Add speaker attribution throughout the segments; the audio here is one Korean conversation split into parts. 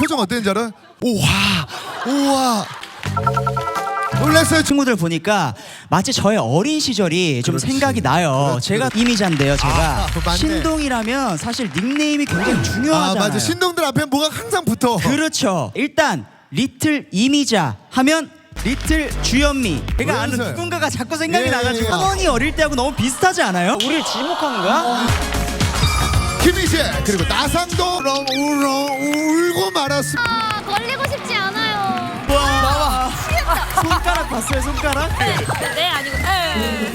Speaker 1: 표정 어땠는지 알아요? 우와 우와 놀랐어요.
Speaker 2: 친구들 보니까 마치 저의 어린 시절이 좀
Speaker 1: 그렇지.
Speaker 2: 생각이 나요.
Speaker 1: 그렇지,
Speaker 2: 제가 이미자인데요. 제가
Speaker 1: 맞네.
Speaker 2: 신동이라면 사실 닉네임이 굉장히 중요하잖아요.
Speaker 1: 맞아. 신동들 앞에 뭐가 항상 붙어.
Speaker 2: 그렇죠. 일단 리틀 이미자 하면 리틀 주현미. 제가 아는
Speaker 1: 그래서요.
Speaker 2: 누군가가 자꾸 생각이
Speaker 1: 예,
Speaker 2: 나가지고
Speaker 1: 예.
Speaker 2: 학원이 어릴 때하고 너무 비슷하지 않아요? 우리를 지목하는 거야?
Speaker 1: 김희재 그리고 나상도 울고 말았습니다.
Speaker 3: 아, 걸리고 싶지 않아요.
Speaker 2: 와, 손가락 봤어요? 손가락?
Speaker 3: 네, 아니고. 네.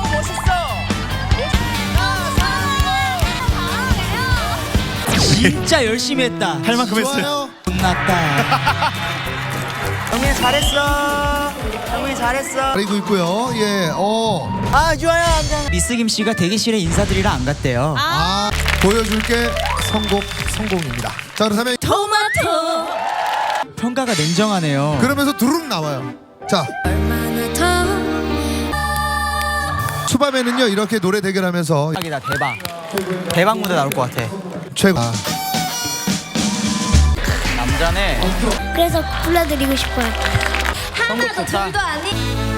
Speaker 2: 진짜 열심히 했다.
Speaker 4: 할 만큼 했어요.
Speaker 1: 좋아요.
Speaker 2: 혼났다. 정민이 잘했어. 정민이 잘했어.
Speaker 1: 그리고 있고요. 예.
Speaker 2: 아 유아야 앉아. 미스 김 씨가 대기실에 인사드리러 안 갔대요.
Speaker 1: 보여줄게 성공입니다. 자 그렇다면
Speaker 3: 토마토.
Speaker 2: 평가가 냉정하네요.
Speaker 1: 그러면서 두루룩 나와요. 자
Speaker 3: 얼마나 더.
Speaker 1: 초반에는요 이렇게 노래 대결하면서
Speaker 2: 대박이다 대박. 대박 무대 나올 것 같아.
Speaker 1: 최고.
Speaker 2: 남자네.
Speaker 3: 그래서 불러드리고 싶어요.
Speaker 2: 선곡
Speaker 3: 하나도
Speaker 2: 좋다.
Speaker 3: 둘도 아니.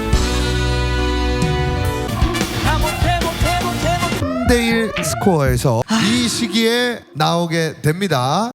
Speaker 2: 못해.
Speaker 1: 3대1 스코어에서 이 시기에 나오게 됩니다.